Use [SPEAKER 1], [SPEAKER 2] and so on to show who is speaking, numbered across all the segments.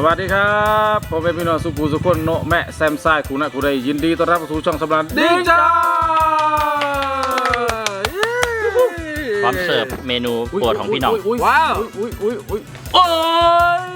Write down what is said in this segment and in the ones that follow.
[SPEAKER 1] วัสดีครับผมเป็นพี่น้องสุภูสุคนโนแม่แซมซ่าคุณนะคุณได้ยินดีต้อนรับสู่ช่องสำราญดิ้งจ้า
[SPEAKER 2] พร้อมเสิร์ฟเมนูโปรดของพี่น้อง
[SPEAKER 1] ว้าวโอ้ย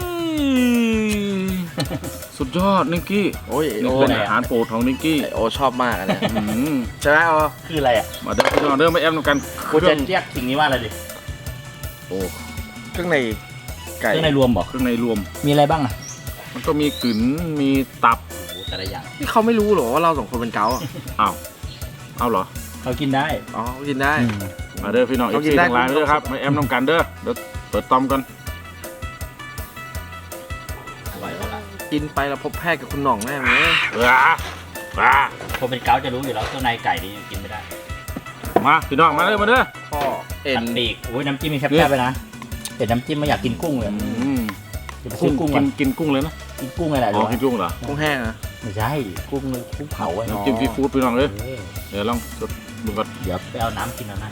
[SPEAKER 1] สุดยอดนิกกี้
[SPEAKER 3] โอ้ย
[SPEAKER 1] นี่เป็นอาหารโปรดของนิกกี้
[SPEAKER 3] โอชอบมากนะใช่ไหมโอ
[SPEAKER 2] คืออะไรอ่ะ
[SPEAKER 1] มาเดินพี่น้องเดินมาแอมกัน
[SPEAKER 2] กูจะเรียกสิ่งนี้ว่าอะไรดิ
[SPEAKER 1] โอ้
[SPEAKER 3] เครื่องในไก่
[SPEAKER 2] เครื่องในรวมบอก
[SPEAKER 1] เครื่องในรวม
[SPEAKER 2] มีอะไรบ้างอ่ะ
[SPEAKER 1] มันก็มีกึ๋นมีตับ
[SPEAKER 2] แต่ละอย่าง
[SPEAKER 3] นี่เขาไม่รู้หรอว่าเราสองคนเป็นเกา
[SPEAKER 1] เอาเหรอ
[SPEAKER 2] เขากินได้
[SPEAKER 3] อ๋อกินได้
[SPEAKER 1] มาเด้อพี่น้องอีกทีทางไลน์เด้อครับมาแอมน้ำกันเด้อเดี๋ยวเปิดตอมกัน
[SPEAKER 3] กินไปแล้วพบแพทย์กับคุณหน่องแน่ไหม
[SPEAKER 2] คนเป็นเกาจะรู้อยู่แล้วเครื่องในไก่นี่กินไม่ได้
[SPEAKER 1] มาพี่น้องมาเด้อ
[SPEAKER 3] พ่อ
[SPEAKER 2] เอ็นปีกโอ้ยน้ำจิ้มมีแคบๆไปนะแต่น้ำจิ้มไม่อยากกินกุ้งเลย
[SPEAKER 1] กุ้งกินกุ้งเลยนะ
[SPEAKER 2] กินกุ้งอะไรหรอ
[SPEAKER 1] กินกุ้งเหรอ
[SPEAKER 3] กุ้งแห้งนะ
[SPEAKER 2] ไม่ใช่กุ้งเผา
[SPEAKER 1] น้ำจิ้มซีฟู้ดพี่น้องเลยเดี๋ยวลองดูก่อน
[SPEAKER 2] เดี๋ยวไปเอาน้ำกินแล้วนะ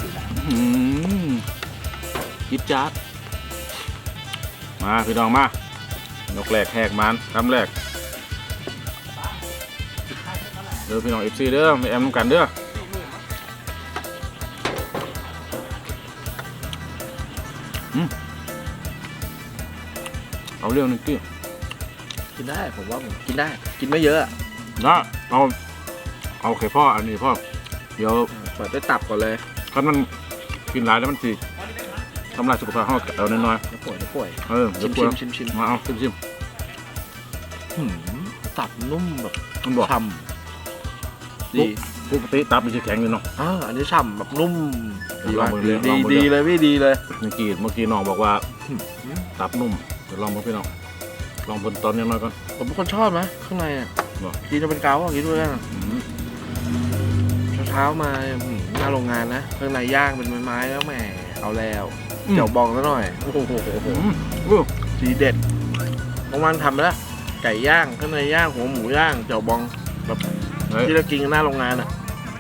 [SPEAKER 1] ยิบจัดมาพี่น้องมายกแรกแหกมันทำแรกเด้อพี่น้องFCเด้อไม่แอมน้ำกันเด้อเอาเรื่องนึงกี้
[SPEAKER 3] กินได้ผมว่าผมกินได้กินไม่เยอะ
[SPEAKER 1] นะเอาไข่พ่ออันนี้พ่อเดี๋ยว
[SPEAKER 3] เปิดด้วยตับก่อนเลย
[SPEAKER 1] ถ้ามันกินหลายแล้วมันสิทำลายสุขภาพเขาเอาน้อย
[SPEAKER 3] ๆป่วย
[SPEAKER 1] ชิมมาเอาชิม
[SPEAKER 3] ตับนุ่มแบบฉ่ำ
[SPEAKER 1] ดีปกติตับมันจะแข็งอยู่เนาะ
[SPEAKER 3] อันนี้ฉ่ำแบบนุ่มดีเลยพี่ดีเลย
[SPEAKER 1] เมื่อกี้น้องบอกว่าตับนุ่มเดี๋ยวลองมาพี่น้องลองบนตอนนี้มาก่อน
[SPEAKER 3] ผมเป็นคนชอบนะข้างในอ่ะกินจะเป็นเกากินด้วยกันเช้ามาหน้าโรงงานนะข้างในย่างเป็นไม้แล้วแหมเอาแล้วเดี๋ยวบองซะหน่อยโอ้โหสีเด็ดประมาณทำแล้วไก่ย่างข้างในย่างหัวหมูย่างเจียวบองแบบที่เรากินกันหน้าโรงงานอ่ะ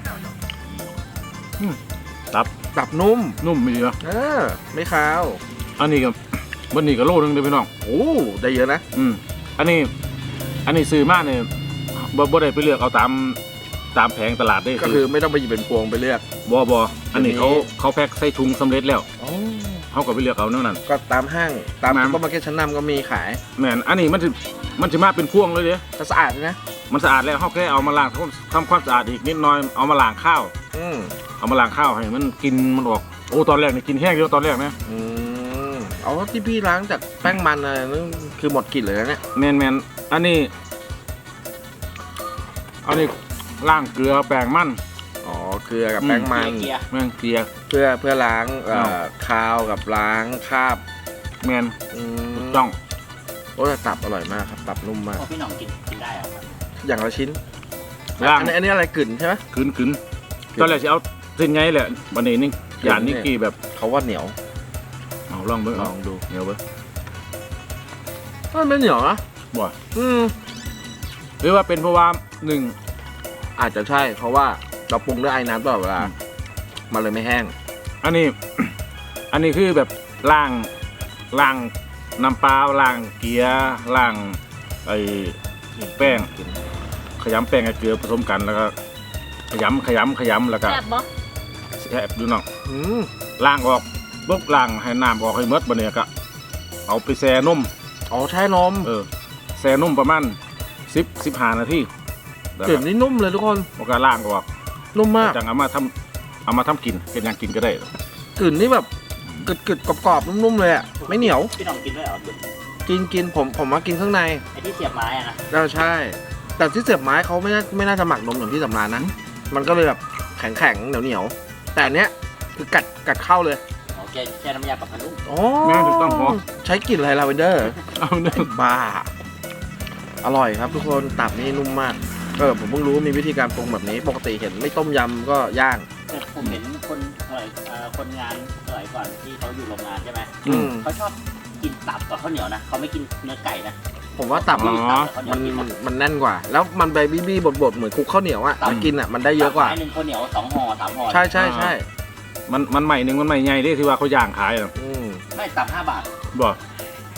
[SPEAKER 3] ตับนุ่ม
[SPEAKER 1] มีเหรอ
[SPEAKER 3] ไม่คาว
[SPEAKER 1] อันนี้กับวันนี้กับโลนึงเด้อพี่น้อง
[SPEAKER 3] โอ้ได้เยอะนะ
[SPEAKER 1] อันนี้ซื้อมาเนี่ยบ่ได้ไปเลือกเอาตามแผงตลาดได้
[SPEAKER 3] ก็คือไม่ต้องไปหยิบเป็นพวงไปเลือก
[SPEAKER 1] บ่อันนี้เขาแพ็คใส่ถุงสำเร็จแล้วเขาก็ไปเลือกเอาเท่านั้น
[SPEAKER 3] ก็ตามห้างตามซุปเปอร์มาร์เก็ตชั้นนำก็มีขาย
[SPEAKER 1] แม่นอันนี้มันจะมาเป็นพวงเลยเด้
[SPEAKER 3] สะอาดนะ
[SPEAKER 1] มันสะอาดแล้วเขาแค่เอามาล้างทำความสะอาดอีกนิดหน่อยเอามาล้างข้าวเอามาล้างข้าวให้มันกินมันออกโอ้ตอนแรกนี่กินแห้งเยอะตอนแรกนะ
[SPEAKER 3] เอาที่พี่ล้างจากแป้งมันอะไรนั่นคือหมดกลิ่นเลยนะเนี่ย
[SPEAKER 1] แมนอันนี้ล้างเกลือแป้งมัน
[SPEAKER 3] เกลือกับแป้งมัน
[SPEAKER 1] เกลือ
[SPEAKER 3] เพื่อล้างคาวกับล้างคราบ
[SPEAKER 1] แมนต้อง
[SPEAKER 3] โอ้แต่ตับอร่อยมากครับตับนุ่มมาก
[SPEAKER 2] พี่น้องกินได้ครับ
[SPEAKER 3] อย่างละชิ้นอันนี้อะไรกึ่นใช่ไหม
[SPEAKER 1] กึ่นตอนแรกจะเอาสิ้นไงแหละวันนี้นี่อย่างนี้กี่แบบ
[SPEAKER 3] เขาว่าเหนียว
[SPEAKER 1] ลองดูเหนียวเว้ย
[SPEAKER 3] มันไม่เหนียวนะ
[SPEAKER 1] บ่หรือว่าเป็นเพราะว่าหนึ่ง
[SPEAKER 3] อาจจะใช่เพราะว่าเราปรุงด้วยไอ้น้ำตลอดเวลามันเลยไม่แห้ง
[SPEAKER 1] อันนี้คือแบบล้างน้ำปลาล้างเกลือล้างไอ้แป้งขยำแป้งกับเกลือผสมกันแล้วก็ขยำแล้วก็แซ่บดูน้องล้างออกปุ๊บล้างให้น้ำออกให้หมดบัดนี้ก็เอาไปแช่นม
[SPEAKER 3] แช่นม
[SPEAKER 1] แช่นมประมาณ15 นาที
[SPEAKER 3] กลิ่นนี่นุ่มเลยทุกคน
[SPEAKER 1] แล้วก็ล้างออก
[SPEAKER 3] นุ่มมาก
[SPEAKER 1] จังเอามาทำกินเป็นอย่างกินก็ได้
[SPEAKER 3] กลิ่นนี่แบบกึดกรอบนุ่มๆเลยอ่ะไม่เหนียว
[SPEAKER 2] พี่น้องกินด้วยเหรอ
[SPEAKER 3] กินผมมากินข้างใน
[SPEAKER 2] ไอ้ที่เสียบไม้อะ
[SPEAKER 3] นะใช่แต่ที่เสียบไม้เขาไม่น่าจะหมักนมอย่างที่สำราญนะมันก็เลยแบบแข็งเหนียวแต่อันเนี้ยคือกัดเข้าเลย
[SPEAKER 2] แช่น้ำยาปรับผ้านุ่ม
[SPEAKER 1] แม่ถูกต้องพอ
[SPEAKER 3] ใช้กลิ่นอะไรลาเวนเดอร์บ้าอร่อยครับทุกคนตับนี่นุ่มมากผมเพิ่งรู้มีวิธีการปรุงแบบนี้ปกติเห็นไม่ต้มยำก็ย่าง
[SPEAKER 2] ผมเห็นคนงานสมัยก่อนที่เขาอยู่โรงงานใช่ไหมเขาชอบกินตับกับข้าวเหนียวนะเขาไม่กินเนื้อไก่นะ
[SPEAKER 3] ผมว่าตับมันแน่นกว่าแล้วมันใบบี้บดเหมือนคลุกข้าวเหนียวอ่ะกินอ่ะมันได้เยอะกว่า
[SPEAKER 2] 1ข้าวเหนียว2 ห่อ 3 ห่อ
[SPEAKER 3] ใช่
[SPEAKER 1] มันใหม่หนึ่งมันใหม่ใหญ่ที่ว่าเขาย่างขาย
[SPEAKER 2] ไม่ตับ5 บาท
[SPEAKER 1] บ่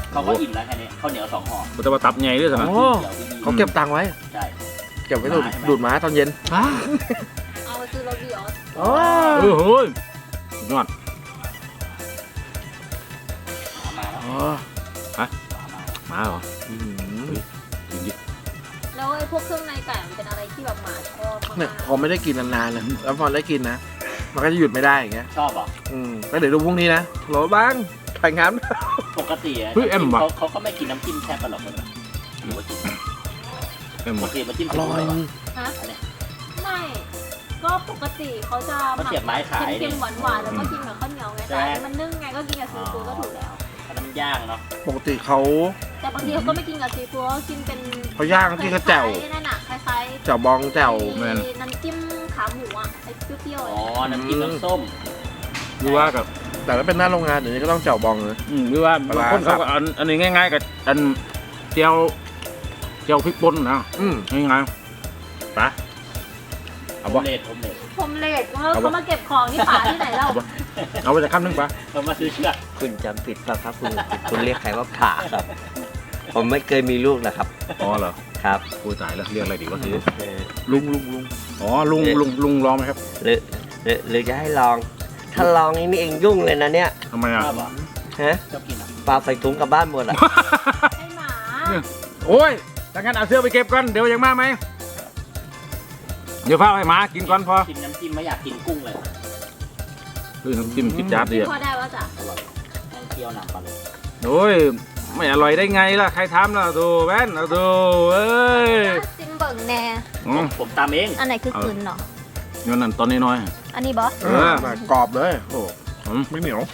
[SPEAKER 2] เขาก็อิ่มแล้วแค่นี้ข้าวเหนียว2 ห่อ
[SPEAKER 1] มันจะมาตับใหญ่ด้วยสินะ
[SPEAKER 3] โอ้
[SPEAKER 2] เดี๋ยวพี่
[SPEAKER 3] เขาเก็บตังค์ไว้
[SPEAKER 2] ใช่
[SPEAKER 3] เก็บไว้ดูดม้าตอนเย็น
[SPEAKER 4] เอาไปซื้อรถวิออส
[SPEAKER 3] อ๋อ
[SPEAKER 1] เฮ้ยสุดยอด
[SPEAKER 2] มาแล้ว
[SPEAKER 3] อ๋อ
[SPEAKER 1] มาเหรอ
[SPEAKER 3] อืม
[SPEAKER 1] จริงดิ
[SPEAKER 4] แล้วไอ้พวกเครื่องในไก่มันเป็นอะไรที่แบบหมาชอบมาก
[SPEAKER 3] เนี่ยพอไม่ได้กินนานๆนะแล้วพอได้กินนะ มันก็จะหยุดไม่ได้อย่างเงี้ย
[SPEAKER 2] ชอบเหรอ
[SPEAKER 3] ก็เดี๋ยวดูพรุ่งนี้นะโหลบ้างถ่ายงาน
[SPEAKER 2] ปกติอะ
[SPEAKER 1] เฮ้ยเอ็มว่ะ
[SPEAKER 2] เขาก็ไม่กินน้ำจิ้มแค่ปลาหลอกเลยนะหรือว่ากิน
[SPEAKER 1] เอ็ม
[SPEAKER 2] ปก
[SPEAKER 1] ว่ะ
[SPEAKER 2] ติมันจิ้ม
[SPEAKER 3] อ
[SPEAKER 2] ซี
[SPEAKER 3] ร่อ
[SPEAKER 2] ฟู้
[SPEAKER 3] ย
[SPEAKER 2] ดเหรอ
[SPEAKER 4] ฮะ
[SPEAKER 2] อันเนี้ย
[SPEAKER 4] ไม่ ก็ปกติเขาจะ
[SPEAKER 2] เขาเสียบไม้ขาย
[SPEAKER 4] เค็มๆหวานๆแล้วก็กินกับข้าวเหนียวไง
[SPEAKER 2] ใช่
[SPEAKER 4] แต่
[SPEAKER 2] ไหม
[SPEAKER 4] อันนี้มันนึ่งไงก็กินกับซีฟู้ดก็ถูกแล้ว
[SPEAKER 2] อันนั้นมันย่างเนาะ
[SPEAKER 3] ปกติเขา
[SPEAKER 4] แต่บางทีเขาก็ไม่กินกับซีฟู้ดเขากินเป็น
[SPEAKER 3] เขาย่างที่เขาแจ่ว
[SPEAKER 4] คล้ายๆนั่นน่ะคล้ายๆ
[SPEAKER 3] แจ่วบองแจ่ว
[SPEAKER 4] ไอ้น้ำจิ้มขาหมูอ่ะไอ้เปรี้ยวๆ
[SPEAKER 2] อ๋อ
[SPEAKER 4] อะ
[SPEAKER 2] น้ำจิ้มน้ำส้ม
[SPEAKER 1] หรือว่ากับ
[SPEAKER 3] แต่ถ้าเป็นหน้าโรงงานเดี๋ยวนี้ก็ต้องแจ่วบองเลย
[SPEAKER 1] หรือว่า
[SPEAKER 3] ปลา
[SPEAKER 1] บาง
[SPEAKER 3] ร้า
[SPEAKER 1] คนเขาก็อันนี้ง่ายๆกับอันเจียวพริกป่นนะ ง่ายๆไปเอา
[SPEAKER 2] โอ
[SPEAKER 1] บ่
[SPEAKER 2] มเล็ตโอมเล็ต
[SPEAKER 4] ผมเลดเขามาเก็บของที่ป่าที่ไหนเล่า
[SPEAKER 1] เอาไปจะข้ามนึงปะ
[SPEAKER 2] เขามาซื้อเชือก
[SPEAKER 5] คุณจำผิดป่ะครับคุณเรียกใครว่าผ่าครับ ผมไม่เคยมีลูกนะครับ
[SPEAKER 1] อ๋อเหรอ
[SPEAKER 5] ครับ
[SPEAKER 1] กูตายแล้วเรียกอะไรดีวะที
[SPEAKER 5] เออ
[SPEAKER 3] ลุง
[SPEAKER 1] อ๋อลุงลองไหมครับ
[SPEAKER 5] หรือจะให้ลอง ถ้าลองนี่เองยุ่งเลยนะเนี่ย
[SPEAKER 1] ทำไมอ่ะ
[SPEAKER 2] ชอบเหรอ
[SPEAKER 5] ฮะ
[SPEAKER 2] ชอบกินอ่ะ
[SPEAKER 5] ปลาใส่ถุงกลับบ้านหมดอ่ะ
[SPEAKER 4] ให้หมา
[SPEAKER 1] โอ้ยถ้างั้นเอาเสื้อไปเก็บก่อนเดี๋ยวยังมาไหมเดี๋ยวพาไปหมากินก่อนพอ
[SPEAKER 2] กินน้ำจิ้มไม่อยากกินกุ้งเลย
[SPEAKER 1] คือน้ำจิ้มคิดจัดดีอ่ะ
[SPEAKER 4] พอได้ว่าจ้ะ
[SPEAKER 2] อร่อยแกงเคี่ยวหนังปลาเลย
[SPEAKER 1] โอ้ยไม่อร่อยได้ไงล่ะใครทำล่ะดูแว่นเอาดูเอ้ย
[SPEAKER 4] ซิมเบิ่งแน่
[SPEAKER 2] ผมตามเอง
[SPEAKER 4] อันไหนคือกลืนเนาะ
[SPEAKER 1] เงินนั่นตอนน้อย
[SPEAKER 4] อันนี้บอส
[SPEAKER 3] กรอบเลยโอ้
[SPEAKER 1] ๆ
[SPEAKER 3] ไม่เหนียว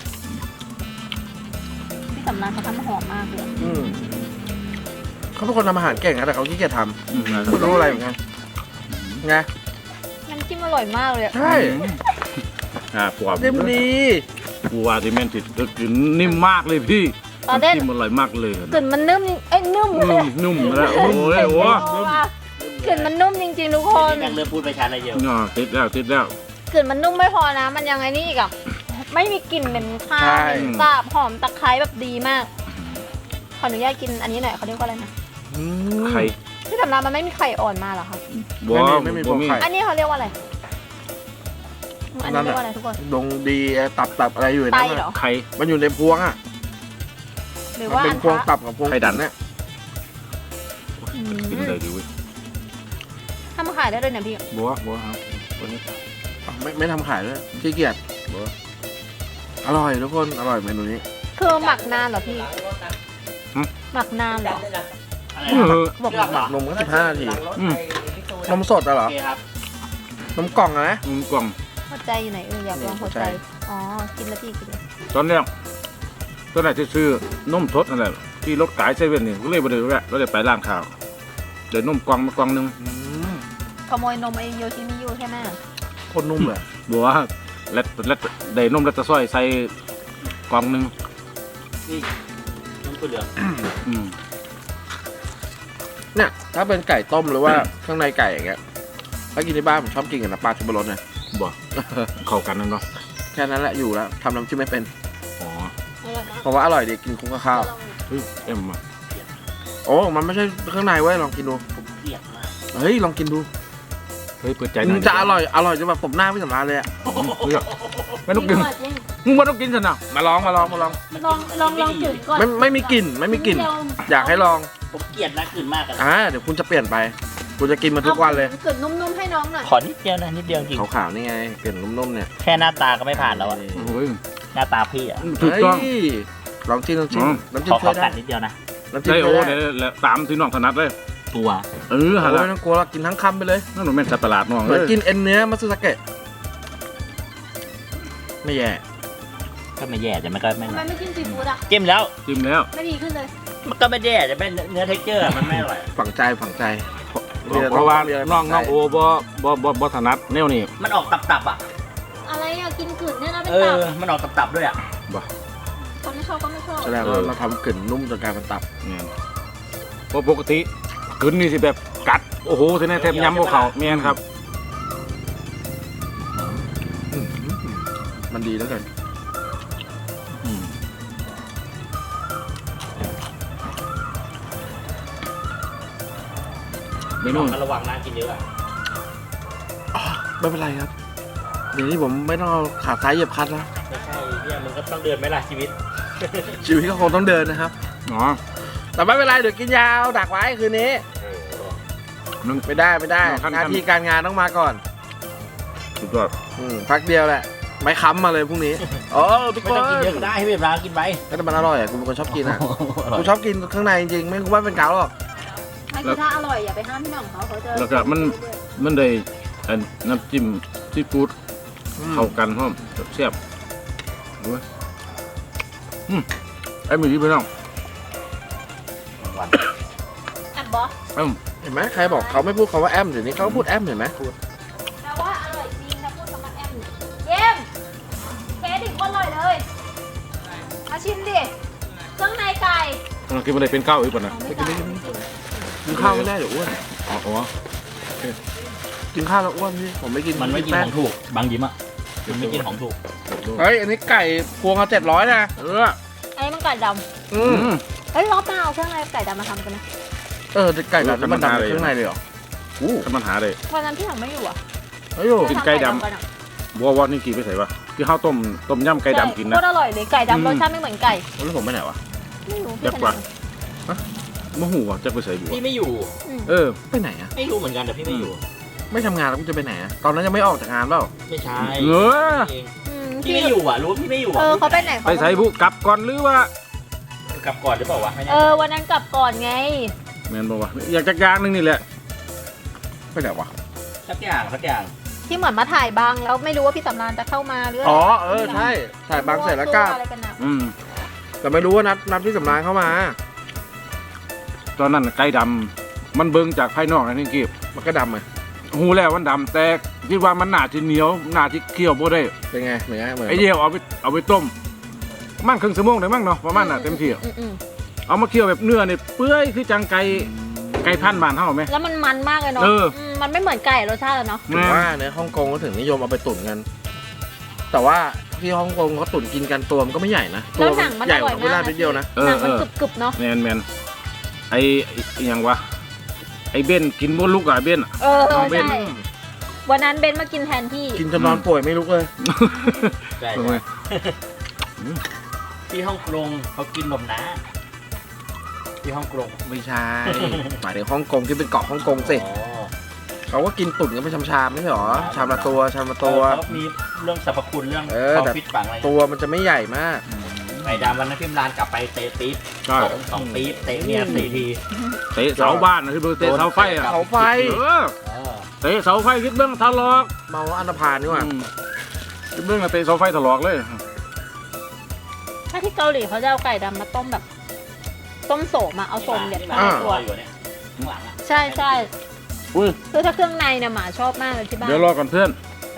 [SPEAKER 4] พี่สำนักเขาทำหอมมากเลย
[SPEAKER 3] เขาเป็นคนทำอาหารเก่งนะแต่เขาขี้เกียจทำไม่รู้อะไรเหมือนกันไง
[SPEAKER 4] น้ำจิ้มอร่อยมากเลย
[SPEAKER 3] ใช่
[SPEAKER 1] ปวด
[SPEAKER 3] เต็มดี
[SPEAKER 1] กูว่าที่แม่นติดก็คือนิ่มมากเลยพี่
[SPEAKER 4] ตอนเล่น
[SPEAKER 1] จิ้มอร่อยมากเลย
[SPEAKER 4] กลิ่นมันนุ่มนุ่มเลย
[SPEAKER 1] นุ่มแล้วโอ้ยโอ้
[SPEAKER 4] กลิ่นมันนุ่มจริงๆทุกคน
[SPEAKER 2] แม่งเริ่มพูดไปชัดอะไรเยอะ
[SPEAKER 1] ติดแล้ว
[SPEAKER 4] กลิ่นมันนุ่มไม่พอนะ มันยังไงนี่อีกอ่ะไม่มีกลิ่นเหม็นข้าว
[SPEAKER 3] ใช่
[SPEAKER 4] เหม็นสาบหอมตะไคร้แบบดีมาก ขออนุญาตกินอันนี้หน่อยเขาเรียกว่าอะไรนะ
[SPEAKER 1] ไข่
[SPEAKER 4] ที่สำนักมันไม่มีไข่อ่อนมาเหรอคะ
[SPEAKER 1] บัว
[SPEAKER 3] ไม่มีพวกไข่
[SPEAKER 4] อันนี้เขาเรียกว่าอะไร อันนี้เรียกว่าอะไรทุกคน
[SPEAKER 3] ดงดีตับอะไรอยู่ใน
[SPEAKER 4] ไต
[SPEAKER 3] นั้น
[SPEAKER 4] เหรอ
[SPEAKER 1] ไข่
[SPEAKER 3] มันอยู่ในพวงอ่ะ
[SPEAKER 4] หรือ
[SPEAKER 3] มัน
[SPEAKER 4] ว่า
[SPEAKER 3] เป็
[SPEAKER 4] อั
[SPEAKER 3] น
[SPEAKER 4] น
[SPEAKER 3] พวง
[SPEAKER 4] ทะ
[SPEAKER 3] ตับกับพวง
[SPEAKER 1] ไข่ดัน
[SPEAKER 3] เนี่ย
[SPEAKER 4] อืม
[SPEAKER 1] กินเลยดิเว้ย
[SPEAKER 4] ทำขายได้ด้วยเนี่ยพี่
[SPEAKER 1] บัวครับตัวนี้
[SPEAKER 3] ไม่ทำขายด้วยขี้เกียจอร่อยทุกคนอร่อยเมนูนี้
[SPEAKER 4] คือหมักนานเหรอพี่ หมักนานเหรอ
[SPEAKER 2] อะไร
[SPEAKER 1] เอ
[SPEAKER 2] นะ
[SPEAKER 1] อ
[SPEAKER 4] บอก
[SPEAKER 2] เลือกเหรอ
[SPEAKER 3] นมก็15 นาที
[SPEAKER 1] อืม
[SPEAKER 3] นมสดอะเหร
[SPEAKER 2] โอ
[SPEAKER 3] อ
[SPEAKER 2] เคครับ
[SPEAKER 3] นมกล่องอะนะ
[SPEAKER 1] กล่อง
[SPEAKER 4] หัวใจอยู่ไหนอยากลองหัวใจ
[SPEAKER 3] หัวใจ
[SPEAKER 4] อ๋อ กินแล้วพี่กินเลย
[SPEAKER 1] ตอนแรกที่ซื้อนมสดนั่นแหละที่รถขายเซเว่นนี่ก็เลยไปเลยแวะก็เลยไปร้านข้าวเดี๋ยวนมกล่องมากล่องนึง
[SPEAKER 4] ขโมยนมไอโยชิมิยูใช่ไหม
[SPEAKER 3] โคตรนุ่มเลย
[SPEAKER 1] บัวแล้วได้นมแล้วจะซอยใส่กล่องนึง
[SPEAKER 2] นี่น้ำถั่วเหลือง
[SPEAKER 1] อืม
[SPEAKER 3] เนี่ยถ้าเป็นไก่ต้มหรือว่าข้างในไก่อย่างเงี้ยถ้ากินที่บ้านผมชอบกินกับน้ำปลาชูรสนะ
[SPEAKER 1] บัวเข้ากันนั่นเนาะ
[SPEAKER 3] แค่นั้นแหละอยู่แล้วทำน้ำจิ้มไม่เป็น
[SPEAKER 1] อ๋อ
[SPEAKER 4] อร่อยมาก
[SPEAKER 3] เพราะว่าอร่อยดีกินคุ้มกับข้าว
[SPEAKER 1] เฮ้ยเอ็มอ่ะ
[SPEAKER 3] โอ้มันไม่ใช่ข้างในเว้ยลองกินดู
[SPEAKER 2] ผมเกลียดมาก
[SPEAKER 3] เฮ้ยลองกินดู
[SPEAKER 1] เฮ้ยเปิดใจห
[SPEAKER 3] มั
[SPEAKER 1] น่อย
[SPEAKER 3] นจะอร่อยจนแบบตบหน้าพี่สำราญเลยอะ
[SPEAKER 1] เฮ้ยไม่ต้องกิน
[SPEAKER 4] จริง
[SPEAKER 1] มึงไม่ต้องกินสินะ
[SPEAKER 3] มาลอง
[SPEAKER 2] มัน
[SPEAKER 4] ลองจืดก่อน
[SPEAKER 3] ไม่มีกลิ่นอยากให้ลอง
[SPEAKER 2] ผมเกลียดนะกลิ่นมากอะ
[SPEAKER 3] เดี๋ยวคุณจะเปลี่ยนไปคุณจะกินมันทุกวันเลย
[SPEAKER 4] กลิ่นนุ่มๆให้น้องหน่อย
[SPEAKER 2] ขอนิดเดียวนะนิดเดียวจริง
[SPEAKER 3] ขาวๆนี่ไงเปลี่ยนนุ่มๆเนี่ย
[SPEAKER 2] แค่หน้าตาก็ไม่ผ่านแล้วอะ
[SPEAKER 1] โอ้ย
[SPEAKER 2] หน้าตาพี่อะ
[SPEAKER 1] ถูกต้อง
[SPEAKER 3] เฮ้ยลองจิ้มน้ำจิ้ม
[SPEAKER 1] อ๋อ
[SPEAKER 3] น้ำจิ้
[SPEAKER 2] ข
[SPEAKER 3] ม
[SPEAKER 2] อ
[SPEAKER 3] ช่วย
[SPEAKER 2] กั
[SPEAKER 3] ได้
[SPEAKER 2] ดนิดเดียวนะ
[SPEAKER 3] น้ำจิ้ม
[SPEAKER 1] ได้
[SPEAKER 3] ช่
[SPEAKER 1] โอ้
[SPEAKER 3] วยได้
[SPEAKER 1] เนี่ยตามที่น้องถนัดเลย
[SPEAKER 2] ตัว
[SPEAKER 1] เออฮะ
[SPEAKER 3] โอ้
[SPEAKER 1] ละ
[SPEAKER 3] ยไม่ต้องกลัวเรากินทั้งคำไปเลย
[SPEAKER 1] นั่นหนูแม่นสัตว์ประหลาดน้อง
[SPEAKER 3] เห
[SPEAKER 1] เล
[SPEAKER 3] มือน
[SPEAKER 1] ย
[SPEAKER 3] กินเอ็นเนื้อมัตสึสเกะไม่แย่
[SPEAKER 2] ก็ไม่แย่แต่มันก็ไม่
[SPEAKER 4] ทำไมไม่จิ้มซีฟู้ดอ่ะ
[SPEAKER 2] จิ้มแล้ว
[SPEAKER 1] จิ้มแล้ว
[SPEAKER 4] ไม่ดีขึ้นเลย
[SPEAKER 2] มันก็ไม่แย่แต่เป็นเนื้อเท็กเจอร์มันไม่อร่อย
[SPEAKER 3] ฝังใจ
[SPEAKER 1] เพราะว่าน้องโอบ่ถนัดแนวนี้
[SPEAKER 2] มันออกตับๆอ่ะ
[SPEAKER 4] อะไรอ่ะ กินกลืนเนี่ยนะเป็น
[SPEAKER 2] เอ
[SPEAKER 4] ตั
[SPEAKER 2] อบ มันออกตับๆด้วยอ่ะ
[SPEAKER 4] คนไม่ชอบก็ไม่ชอบ
[SPEAKER 3] แสดงว่าเราทำกลิ่นนุ่มจนกลายเป็นตับ
[SPEAKER 1] เนี่ยเพราะปกติกึนนี่สิแบบกัดโอ้โหทีนี้แทบย้ำพวกเขาเมียนครับ
[SPEAKER 3] มันดีแล้วกัน
[SPEAKER 1] อืมเมนู
[SPEAKER 2] มันระวังนะกินเยอะอะ
[SPEAKER 3] ไม่เป็นไรครับ เดี๋ยวนี้ผมไม่ต้องเอาขาซ้ายเหยียบคลัตช์แล้ว
[SPEAKER 2] ไม่ใช่เนี่ยมึงก็ต้องเดินไหมล่ะชีวิต
[SPEAKER 3] ชีวิตก็คงต้องเดินนะครับ
[SPEAKER 1] อ๋อ
[SPEAKER 3] แต่ไม่เป็นไรเดี๋ยวกินยาวดักไว้คืนนี้
[SPEAKER 1] นึง
[SPEAKER 3] ไม่ได้ไม่ได้
[SPEAKER 1] ขั้น
[SPEAKER 3] หน้าที่การงานต้องมาก่อน
[SPEAKER 1] สุดยอด
[SPEAKER 3] พักเดียวแหละ ไม่ค้ำมาเลยพรุ่งนี้โอ้ทุก
[SPEAKER 2] ไม่
[SPEAKER 3] คน
[SPEAKER 2] ต้องกินเยอะก็ได้ให้เวลากินไป
[SPEAKER 3] แต่มันอร่อยอ่ะกูเป็นคนชอบกินอ่ะ
[SPEAKER 2] อร่อ
[SPEAKER 3] กู
[SPEAKER 2] ย
[SPEAKER 3] ชอบกินข้างในจริงๆไม่กูว่าเป็นเกาหรอก
[SPEAKER 4] ไม่คือถ้าอร่อยอย่าไปห้ามพี่หน่องเขาจะ
[SPEAKER 1] แล้วก็มันได้อันน้ำจิ้มซีฟู้ดเข้ากันพร้อมแซ่บดูไหมไอ้มือที่พี่น้อง
[SPEAKER 4] แอบบอส
[SPEAKER 3] เห็นไหมใครบอกเขาไม่พูดคำว่าแอมเดี๋ยวนี้เขาก็พูดแอมเห็นไหม
[SPEAKER 4] แปลว่าอร่อยจริงถ้าพูดคำว่าแอมเยี่ยมเคสอีกคนอร่อยเลยมาชิมดิเครื่องในไก่
[SPEAKER 1] เรากินอะไรเป็นข้าวอีกป่ะนะ
[SPEAKER 4] ไม่ไก่ไม่จริง
[SPEAKER 3] กินข้าวไม่ได้เดี๋ยวอ้วน
[SPEAKER 1] อ๋อ
[SPEAKER 3] กินข้าวแล้วอ้วนพี่ผมไม่กิน
[SPEAKER 2] มันไม่กิน
[SPEAKER 3] แป้
[SPEAKER 2] ของถูกบางยิ้มอ่ะมันไม่กินของถูก
[SPEAKER 3] เฮ้ยอันนี้ไก่พวงเขา700นะ
[SPEAKER 1] เออ
[SPEAKER 4] อันนี้มันไก่ด
[SPEAKER 3] อืม
[SPEAKER 4] ำเฮ้ยรอบหน้าเอาเครื่องในไก่ดำมาทำกันนะ
[SPEAKER 3] แต่ไก่แบบมันดำในข้างในเลยเหรอ
[SPEAKER 1] ถ้ามันหาได้
[SPEAKER 4] วันนั้นพี่หน่องไม่อยู่อ่ะ
[SPEAKER 3] เฮ้ยโย
[SPEAKER 1] กินไก่ดำ
[SPEAKER 4] กันอะ
[SPEAKER 1] บัววอดนี่กี่ไปใส่ปะที่ข้าวต้มยำไก่ดำกิน
[SPEAKER 4] โค
[SPEAKER 1] นะ
[SPEAKER 4] ตรอร่อยเลยไก่ดำรสชาติไม่เหมือนไก่
[SPEAKER 3] แล้วผมไปไหนวะ
[SPEAKER 4] ไม่รู้
[SPEAKER 1] แซ่บกว่า มะหูวะจะไปใส่บัว
[SPEAKER 2] พี่ไม่อยู่
[SPEAKER 1] เออ
[SPEAKER 3] ไปไหนอะ
[SPEAKER 2] ไม่รู้เหมือนกันแต่พี่ไม่อยู่
[SPEAKER 3] ไม่ทำงานแล้วกูจะไปไหนอะตอนนั้นยังไม่ออกจากงานเปล่า
[SPEAKER 2] ไม่ใช่
[SPEAKER 1] เออ
[SPEAKER 2] เอง
[SPEAKER 4] อืม
[SPEAKER 2] พี่ไม่อยู่อ่ะรู้ว่าพี่ไม่อยู่
[SPEAKER 4] เอ
[SPEAKER 2] อ่ะ
[SPEAKER 4] อเขาไปไหน
[SPEAKER 1] ไปใส่บุกลับก่อนหรือว่า
[SPEAKER 2] กลับก่อนหรือเปล่าวะไม่แน่
[SPEAKER 4] เออวันนั้นกลับก่อนไง
[SPEAKER 1] แมนบอกว่าอยากจักอยางนึงนี่แหละ
[SPEAKER 3] ไปไหนวะ
[SPEAKER 2] สักอย่างสักอย่าง
[SPEAKER 4] ที่เหมือนมาถ่ายบางแล้วไม่รู้ว่าพี่สำรานจะเข้ามาหรืออะไร
[SPEAKER 3] อ๋อใช่ถ่ายบางเสร็จแล้วกลับ
[SPEAKER 4] อะไรกันนะ
[SPEAKER 3] แต่ไม่รู้ว่านัดพี่สำรานเข้ามา
[SPEAKER 1] ตอนนั้นไก่ดำมันเบิ่งจากภายนอกนะนี่กีบ
[SPEAKER 3] มันก็ดำไง
[SPEAKER 1] หูแล้วมันดำแต่คิดว่ามันหนาที่เหนียวหนาที่เคี่ยวบ่ได้
[SPEAKER 3] เป็นไงเหมือนไงเหมือน
[SPEAKER 1] ไอ้เดียวเอาไปต้มมันครึ่งชั่วโมงได้มั้งเนาะประมาณน่ะเต็มที่
[SPEAKER 4] อืม
[SPEAKER 1] เอามาเคี่ยวแบบเนื้อนี่เปื่อยคือจังไก่พันธุ์บ้านเฮาไหม
[SPEAKER 4] แล้วมันมากเลยเนาะ
[SPEAKER 1] เออ
[SPEAKER 4] มันไม่เหมือนไก่รสชาติอะเนาะ
[SPEAKER 3] ถึงว่าในฮ่องกงก็ถึงนิยมเอาไปตุ๋นกัน แต่ว่าที่ฮ่องกงเขาตุ๋นกินกันตัวมันก็ไม่ใหญ่นะตั
[SPEAKER 4] แล้ว วหนังมัน
[SPEAKER 3] ใหญ่
[SPEAKER 4] อก ร่อย
[SPEAKER 3] ว่า
[SPEAKER 4] มา
[SPEAKER 3] เวลาก
[SPEAKER 4] นะ
[SPEAKER 3] นิดเดียวนะ
[SPEAKER 1] เอ
[SPEAKER 4] หนั
[SPEAKER 1] อง
[SPEAKER 4] มัน
[SPEAKER 1] เออก
[SPEAKER 4] รึบๆเนาะ
[SPEAKER 1] แมนไอ้อิหยังวะไอ้เบ้นกินบ่ลุกอ่ะเบ้นอะ
[SPEAKER 4] เออ
[SPEAKER 1] น้องเบน
[SPEAKER 4] ใช่วันนั้นเบนมากินแทนพี่
[SPEAKER 3] กินจนนอนป่วยไม่ลุกเลย
[SPEAKER 2] ใช่
[SPEAKER 1] เป็นไง
[SPEAKER 2] ที่ฮ่องกงเขากินนมนะที่ฮ่องกง
[SPEAKER 3] ไม่ใช่หมายถึงฮ่องกงที่เป็นเกาะฮ่องกงสิ
[SPEAKER 2] อ๋อ
[SPEAKER 3] เขาก็กินตุ๋นกันเป็นชามๆไม่ใช่หรอชามละตัว
[SPEAKER 2] เขามีเรื่องสรรพคุณเรื่อง
[SPEAKER 3] เออ
[SPEAKER 2] ความ
[SPEAKER 3] แต่
[SPEAKER 2] ฟิตฝังอะไร
[SPEAKER 3] ตัวมันจะไม่ใหญ่มาก
[SPEAKER 2] ไอ้ดำวันนั้นพิมรานกลับไปเตะปี๊บ
[SPEAKER 1] ใช่
[SPEAKER 2] สองปี๊บเตะเมีย4 ที
[SPEAKER 1] เตะเสาบ้านนะที่เบิ่งเตะเสาไฟอ่ะ
[SPEAKER 3] เสาไฟ
[SPEAKER 1] เออ
[SPEAKER 2] เออ
[SPEAKER 1] เตะเสาไฟคิดเบิ่งทะลอก
[SPEAKER 3] เมาอันธพาลนี่หว่า
[SPEAKER 1] คิดเบิ่งอะเตะเสาไฟทะลอกเลย
[SPEAKER 4] ถ้าที่เกาหลีเขาจะเอาไก่ดำมาต้มแบบ ต้มโสมอะเอาโสมเด็ด
[SPEAKER 2] ที่
[SPEAKER 4] มา
[SPEAKER 2] มา
[SPEAKER 4] ในตัว
[SPEAKER 2] อยู่เนี่ยข้างหลังอ่ะ
[SPEAKER 4] ใช่ใช่
[SPEAKER 1] อุ้ย
[SPEAKER 4] คือถ้าเครื่องในเนี่ยหมาชอบมากเลยที่บ้าน
[SPEAKER 1] เดี๋ยวรอก่อนเพื่อน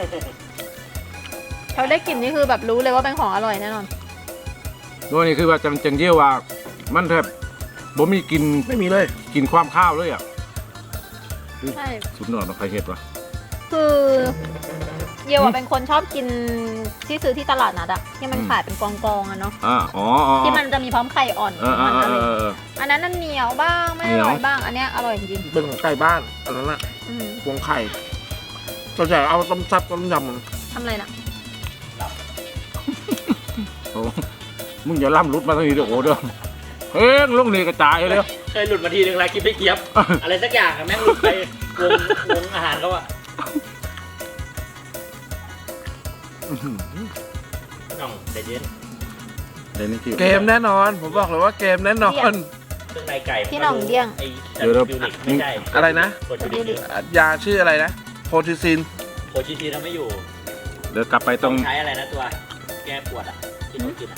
[SPEAKER 4] เขาได้กลิ่นนี่คือแบบรู้เลยว่าเป็นของอร่อยแน่นอน
[SPEAKER 1] ตัวนี้คือว่าจังเยี่ยวว่ามันแทบบ่มีกิน
[SPEAKER 3] ไม่มีเลย
[SPEAKER 1] กินความข้าวเลยอ่ะ
[SPEAKER 4] ใช่
[SPEAKER 1] สุดยอดเนาะใครเฮ็ดวะ
[SPEAKER 4] คือเยวอะเป็นคนชอบกินที่ซื้อที่ตลาดนัดอะที่มันขายเป็นกองๆอะเนาะ
[SPEAKER 1] อ๋อ
[SPEAKER 4] ที่มันจะมีพร้อมไข่อ่อน
[SPEAKER 1] เอ
[SPEAKER 4] มันอะไร
[SPEAKER 1] อ
[SPEAKER 4] อันนั้นนั่นเหนียวบ้างไม่อร่อยบ้าง อันเนี้ยอร่อยจริง
[SPEAKER 3] เป็นของไก่บ้านอันนั้นน่ะ
[SPEAKER 4] ๆอืม
[SPEAKER 3] พวงไข่เราจะเอาต้มซับต้มยำมัน
[SPEAKER 4] ทำอะไรนะ
[SPEAKER 1] โอ้มึงอย่าล่ำรุดมาทางนี้เด้อโอ้เด้อเฮ้ยลงนี่กระจายเลย
[SPEAKER 2] เคยหลุดมาทีนึงแล้วคิดไม่เกียบ อะไรสักอย่างอะแม่งหลุดไปวงอาหารเขาอะน้องเดเย็น
[SPEAKER 1] เดี๋ยวนี้คือ
[SPEAKER 3] เกมแน่นอน ผมบอกเลยว่าเกมแน่นอน
[SPEAKER 2] เครื่องในไก่
[SPEAKER 4] พี่หน่องเดี้ยง
[SPEAKER 2] ไอ้บิวลิกไม่ใช่
[SPEAKER 3] อะไรนะ
[SPEAKER 2] โคชิซิน
[SPEAKER 3] ยาชื่ออะไรนะโพทิซิน
[SPEAKER 2] โคชิซินเราไม่อยู่
[SPEAKER 1] เดี๋ยวกลับไปต้อง
[SPEAKER 2] ใช้อะไรนะตัว แก้ปวดอะที่เขากินอะ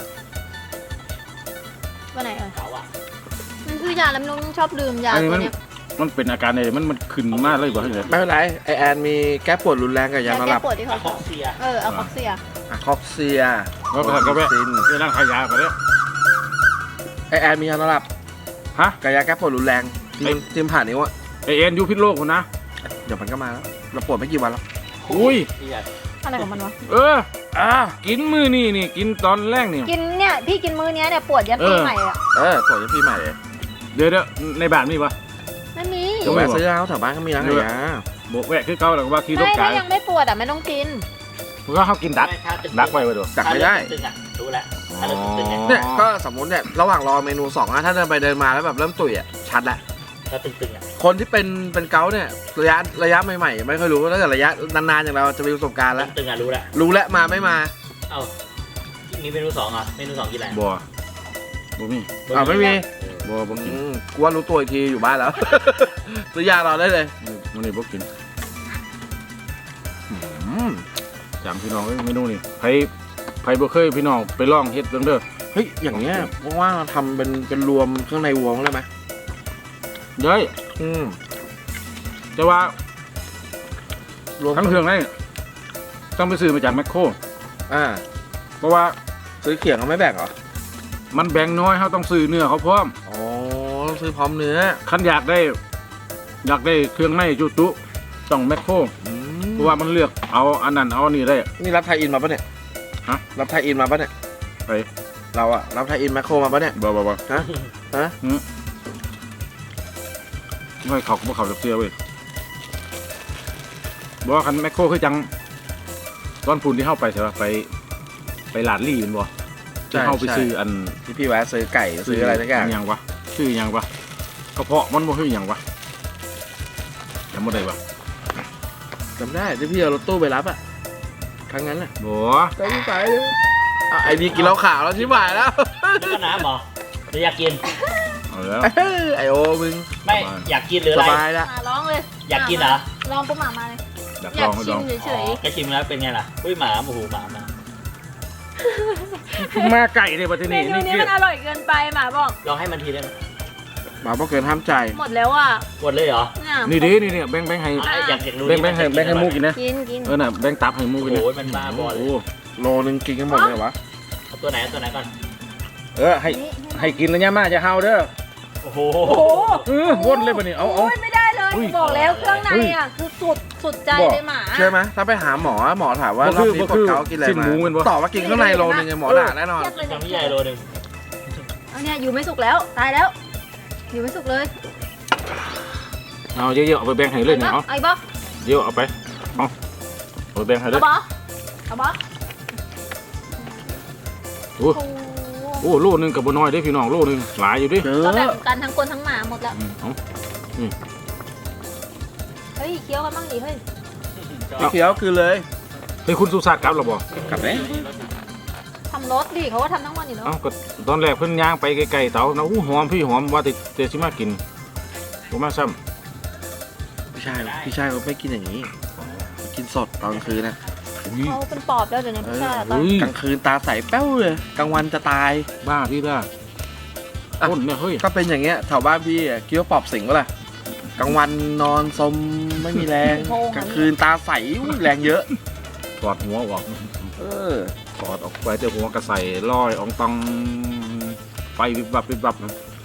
[SPEAKER 4] ว่าไหนเอ่ย
[SPEAKER 2] เขาอะ
[SPEAKER 4] มันคือยาแล้วไม่รู้ชอบลืมยา
[SPEAKER 1] อันนี้
[SPEAKER 4] ตัวเนี้ย
[SPEAKER 1] มันเป็นอาการอะไรมันขึ้นมากเลยบ่เห็นเลย
[SPEAKER 3] ไม่เป็นไรไอแอนมีแก้ปวดรุนแรงกับยานอนห
[SPEAKER 4] แก้
[SPEAKER 3] ลับ
[SPEAKER 4] ปวดที่
[SPEAKER 2] อะ
[SPEAKER 4] เขา
[SPEAKER 2] คอกเซีย
[SPEAKER 4] เอาคอกเซีย
[SPEAKER 3] อะคอกเซีย
[SPEAKER 1] ก็ไป
[SPEAKER 3] ซิน
[SPEAKER 1] ไปนั่งขายยาไปแล้ว
[SPEAKER 3] ไอแอนมียานอนหลับ
[SPEAKER 1] ฮะ
[SPEAKER 3] กับยาแก้ปวดรุนแรงทิมผ่านนิ้วอะ
[SPEAKER 1] ไอเอ็นอยู่พิษโลกคนนะ
[SPEAKER 3] เดี๋ยวมันก็มาแล้วเราปวดไม่กี่วันแล้ว
[SPEAKER 1] อุ้ย
[SPEAKER 2] ที่อยาก
[SPEAKER 4] อะไรของมันวะ
[SPEAKER 1] กินมือนี่กินตอนแรกนี่
[SPEAKER 4] กินเนี่ยพี่กินมื้อเนี้ยเนี่ยปวดยันปีใหม่อะ
[SPEAKER 3] ปวดจะปีใหม่เลย
[SPEAKER 1] เดี๋ยวในบ้านมีปะ
[SPEAKER 4] ไม่มี
[SPEAKER 3] มก็แวะซื้อเอาแถวบ้านก็มีร้านขายยา
[SPEAKER 1] โบกแวะคือเก่าแล้วก็ว่าขี่รถ
[SPEAKER 4] ไม่
[SPEAKER 1] ไกล
[SPEAKER 4] ถ้ายังไม่ปวดอ่ะไม่ต้องกิน
[SPEAKER 1] มันก็เขากินดัก
[SPEAKER 2] ถ้าตึง
[SPEAKER 1] ดักไว้ดู
[SPEAKER 3] ดักไม่ได้
[SPEAKER 2] ถ้าเริ่ตึงๆอ่ะรู้แล้วถ้าเริ่มตึงๆเนี่ย
[SPEAKER 3] เนี่ยก็สมมติเนี่ยระหว่างรอเมนู2นะถ้าเดินไปเดินมาแล้วแบบเริ่มตุ๋ยอ่ะชัดละ
[SPEAKER 2] ถ้าตึงๆอ่ะ
[SPEAKER 3] คนที่เป็นเกาต์เนี่ยระยะใหม่ๆไม่ค่อยรู้ถ้าเกิดระยะนานๆอย่างเราจะมีประสบการณ์แล้ว
[SPEAKER 2] ตึงๆอ่ะรู้แล้ว
[SPEAKER 3] รู้แล้วมาไม่มา
[SPEAKER 2] เอ้ามีเมนู2อ่ะเมนู2กินอะไร
[SPEAKER 1] บัวบ่มี
[SPEAKER 3] ไม่มี
[SPEAKER 1] บัวบ่กิน
[SPEAKER 3] กูว่ารู้ตัวอีกทีอยู่บ้านแล้ว ซื้อยารอได้เลย
[SPEAKER 1] มันนี่บ่กิน
[SPEAKER 3] อืม
[SPEAKER 1] จำพี่น้องเอ้ยเมนูนี่ไผบ่เคยพี่น้องไปลองเฮ็ดเบิ่งเด้อ
[SPEAKER 3] เฮ้ยอย่างเงี้ยว่างๆเราทำเป็นรวมเครื่องในวัวมั้งได้ไหม
[SPEAKER 1] เด้ย
[SPEAKER 3] อืม
[SPEAKER 1] แต่ว่าร
[SPEAKER 3] วม
[SPEAKER 1] ทั้งเครื่องนี่ต้องไปซื้อมาจากแมคโคร
[SPEAKER 3] อ่า
[SPEAKER 1] เพราะว่า
[SPEAKER 3] ซื้อเขียงเขาไม่แบ่งเหรอ
[SPEAKER 1] มันแบ่งน้อยเขาต้องซื้อเนื้อเขาพร้อม
[SPEAKER 3] อ๋อต้องซื้อพร้อมเนื้อ
[SPEAKER 1] คันอยากได้เครื่องในจุต้องแมคโคร
[SPEAKER 3] อืม
[SPEAKER 1] เพราะว่ามันเลือกเอาอันนั้นเอาอันนี้ได้
[SPEAKER 3] นี่รับไทยอินมาปะเนี่ย
[SPEAKER 1] ฮะ
[SPEAKER 3] รับไทยอินมาปะเนี่ย
[SPEAKER 1] ไป
[SPEAKER 3] เราอะรับไทยอินแมคโครมาปะเนี่ย
[SPEAKER 1] บ่
[SPEAKER 3] ฮะฮะ
[SPEAKER 1] ไม่เขาก็บ่เขาจะเสียเว้ยบ่คันแมคโครคือจังตอนพุ่นที่เข้าไปใช่ป่ะไปลาดลี่เป็นบ่ที่เข้าไปซื้ออัน
[SPEAKER 3] ที่พี่แวะซื้อไก่ซื้ออะไรสักอย่าง
[SPEAKER 1] หยังวะซื้อหยังวะกระเพาะมันบ่คือหยังวะจำบ่ได้วะ
[SPEAKER 3] จำได้ที่พี่เอารถตู้ไปรับอะครั้งนั้นอะ
[SPEAKER 1] บ่
[SPEAKER 3] จำไม่ไปเลยไอ้นี่กินเหล้าขาวแล้วชิบหายแล้ว
[SPEAKER 2] นี่ก็น้ำเหรอหรืออยากกิน
[SPEAKER 1] เอาแล้ว
[SPEAKER 3] ไอโอมึง
[SPEAKER 2] ไม่อยากกินหรือ
[SPEAKER 3] ส
[SPEAKER 2] อะไร
[SPEAKER 3] บายละ
[SPEAKER 4] มาร้องเลย
[SPEAKER 2] อยากกินเหรอ
[SPEAKER 4] ลองปุ๊บหมามาเลย
[SPEAKER 1] ดัก
[SPEAKER 4] อ
[SPEAKER 1] ล
[SPEAKER 4] ยา
[SPEAKER 1] อก งให้
[SPEAKER 4] ชิ
[SPEAKER 1] ล
[SPEAKER 4] ม
[SPEAKER 1] อง
[SPEAKER 4] เฉย
[SPEAKER 2] แค่ชิมแล้วเป็นไงล่ะอุ้ยหมาโอ้โหหมามา
[SPEAKER 1] มาไก่เลยประเทศ
[SPEAKER 4] ๆเม
[SPEAKER 1] นี้
[SPEAKER 4] นู
[SPEAKER 1] นี่
[SPEAKER 4] นี้
[SPEAKER 1] คือ
[SPEAKER 4] มันอร่อยเกินไปหมาบอก
[SPEAKER 2] ลองให้มันทีได้ไหม
[SPEAKER 3] หมาบอกเกินห้ามใจ
[SPEAKER 4] หมดแล้วอ่ะ
[SPEAKER 2] หมดเลยเหรอ
[SPEAKER 4] เนี่ย
[SPEAKER 1] นี่ดินี่แบ่งให้
[SPEAKER 2] อ่ะอยากรู้
[SPEAKER 1] แบ่งให้หมูกินนะ
[SPEAKER 4] กิน
[SPEAKER 1] น่ะแบ่งตับให้หมู
[SPEAKER 2] โอ้
[SPEAKER 1] กินนะ
[SPEAKER 2] โหมันบ้าบอเลย
[SPEAKER 1] โอ้
[SPEAKER 3] โลนึงกินกันหมดเลยวะ
[SPEAKER 2] เอาตัวไหนเอาตัวไหนก่อน
[SPEAKER 1] ให้กินแล้วเนี่ยมาจะเฮาเด้อ
[SPEAKER 2] โอ้โห
[SPEAKER 4] โอ้โห
[SPEAKER 1] วนเลยบัดนี้เอา
[SPEAKER 4] โอ้ยไม่ได้เลย
[SPEAKER 1] อุ้ย
[SPEAKER 4] บอกแล้วเครื่องในอ่ะคือสุดใจเลยหมา
[SPEAKER 3] เชื่อไหมถ้าไปหาหมอหมอถามว่ารอบนี้ปวดเกากินอะไร
[SPEAKER 1] สิ้น
[SPEAKER 3] มา
[SPEAKER 1] หมูเป็นบ่
[SPEAKER 3] ตอบว่ากินข้างในโลนึงไงหมอด่าแน่นอน
[SPEAKER 4] เทียบเลย
[SPEAKER 2] จำพี่ใหญ่โลนึง
[SPEAKER 4] เอาเนี่ยอยู่ไม่สุกแล้วตายแล้ว อยู่ไม่สุกเลย
[SPEAKER 1] เอาเยอะๆเอาไปแบ่งให้เลยเนี่ยเอา
[SPEAKER 4] ไอ้บ๊อบ
[SPEAKER 1] เยอะเอาไปเอาไปแบ่งให้เล
[SPEAKER 4] เอา
[SPEAKER 1] ย
[SPEAKER 4] บ๊อบเอาบ๊อบ
[SPEAKER 1] โอ้
[SPEAKER 4] โอ้
[SPEAKER 1] โอ้โลนึงกับบ่น้อยเด้พี่น้องโลนึงหลายอยู่ดิ
[SPEAKER 3] เจ
[SPEAKER 4] ก็แบ่
[SPEAKER 3] อง
[SPEAKER 4] กันทั้งคนทั้งหมาหมดแล้ว
[SPEAKER 1] เอา
[SPEAKER 4] เฮ้ยเคี้ยวกันบ้างดิเฮ้ย
[SPEAKER 3] เคี้ยวคือเลย
[SPEAKER 1] เฮ้ยคุณสุชาติกลับหรอบ่
[SPEAKER 3] กลับไหม
[SPEAKER 4] ทำรสดิเขาก็ทำทั้งวันอยู่แล้ว
[SPEAKER 1] เอ้าก็ตอนแรกเพิ่นย่างไปไกลๆเตานะอู้หอมพี่หอมว่าแต่สิมากินบ่มาซ้ำ
[SPEAKER 3] พี่ชายเขาไม่กินอย่างนี้กินสดตอนกลางคืนนะ
[SPEAKER 1] อุ้ย
[SPEAKER 4] เขาเป็นปอบแล้วเดี๋ยวนี้พี่ชาย
[SPEAKER 1] เฮ้ย
[SPEAKER 3] กลางคืนตาใสแป้วเลยกลางวันจะตาย
[SPEAKER 1] บ้าพี่บ้าต้นเนี่ยเฮ้ย
[SPEAKER 3] ก็เป็นอย่างเงี้ยแถวบ้านพี่อะคิดว่าปอบสิงก็ล่ะกลางวันนอนสมไม่มีแรงกลางคืนตาใสอุ๊ยแรงเยอะ
[SPEAKER 1] ถอดหัวออก
[SPEAKER 3] เออ
[SPEAKER 1] ถอดออกไปเจอหัวกระใส่ลอยอองตองไฟวิบวับวิบวับนะ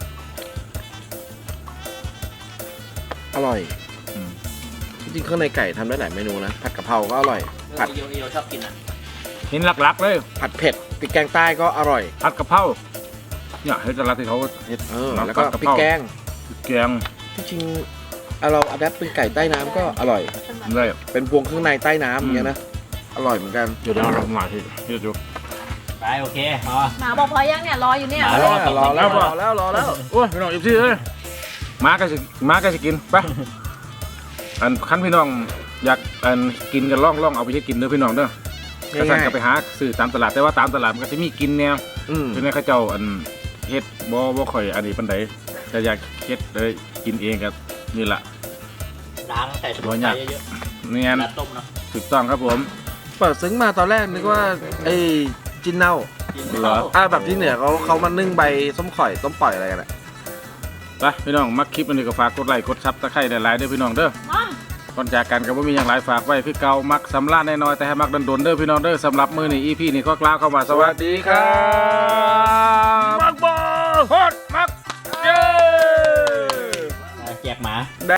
[SPEAKER 3] อร่อย
[SPEAKER 1] อืม
[SPEAKER 3] จริงๆข้างในไก่ทำได้หลายเมนูนะผัดกะเพราก็อร่อย ผัด
[SPEAKER 2] โยชอบกินอ่ะ
[SPEAKER 1] เห็นหลักๆเลย
[SPEAKER 3] ผัดเผ็ดพริกแกงใต้ก็อร่อย
[SPEAKER 1] ผัดกะเพราเนี่ยเฮ็ดแต่ละที่เขาเฮ็ด
[SPEAKER 3] แล้วก็
[SPEAKER 1] ผัดกะ
[SPEAKER 3] พ
[SPEAKER 1] เพ
[SPEAKER 3] ริ
[SPEAKER 1] รา
[SPEAKER 3] กแกง
[SPEAKER 1] แกง
[SPEAKER 3] ที่จริงเอาเราอัดแอปเป็นไก่ใต้น้ำก็อร่อย
[SPEAKER 1] เลย
[SPEAKER 3] เป็นพวงเครื่องในใต้น้ำอย่างเงี้ยนะอร่อยเหมือนกัน
[SPEAKER 1] เดี๋ยวเราทำหน่อยที่เฮ็ดอยู่
[SPEAKER 2] ไปโอเคพอ
[SPEAKER 4] หมาบอกพอยังเนี่ยรออยู่เนี่ย
[SPEAKER 2] หมา
[SPEAKER 3] รอแล้วรอแล้ว
[SPEAKER 1] โอ้ยพี่น้อง14เอ้ยมาก็สิกินไปอันคันพี่น้องอยากอันกินกันล่องเอาไปเฮ็ดกินเด้อพี่น้องเด้อ ก็สั่งก็ไปหาซื้อตามตลาดแต่ว่าตามตลาดมันก็จะมีกินแนว
[SPEAKER 3] อืม
[SPEAKER 1] คือในเขาเจ้าอันเฮ็ดบ่ค่อยอันนี้ปานใดแต่อยากเฮ็ดเลยกินเองก็นี่ล่ะ
[SPEAKER 2] ล้างใส่สมุนไพรเยอะ
[SPEAKER 1] เนีย
[SPEAKER 2] ๆ
[SPEAKER 1] น
[SPEAKER 2] แล้วต้มเนาะ
[SPEAKER 1] ถูกต้องครับผม
[SPEAKER 3] เปิดซึ้งมาตอนแรกนึกว่าไอ้จินเน่า
[SPEAKER 1] เหรอ
[SPEAKER 3] แบบที่เหนือเขามานึ่งใบส้มข่อยต้มปล่อยอะไรกันอะ
[SPEAKER 1] ไปพี่น้องมักคลิปอันนี้ก็ฝากกดไลค์กดซับตะไคร้หลายๆเด้อพี่น้องเด้อ
[SPEAKER 4] มอม
[SPEAKER 1] ก่อนจากกันก็บ่มีอย่างไรฝากไว้คือเก่ามักสำราญน้อยๆแต่ให้มักดนๆเด้อพี่น้องเด้อสำหรับมื้อนี้ EP นี้ก็กล่าวเข้ามาสวัสดีครับมักบ่ฮอดมักเย้
[SPEAKER 2] แจกหมา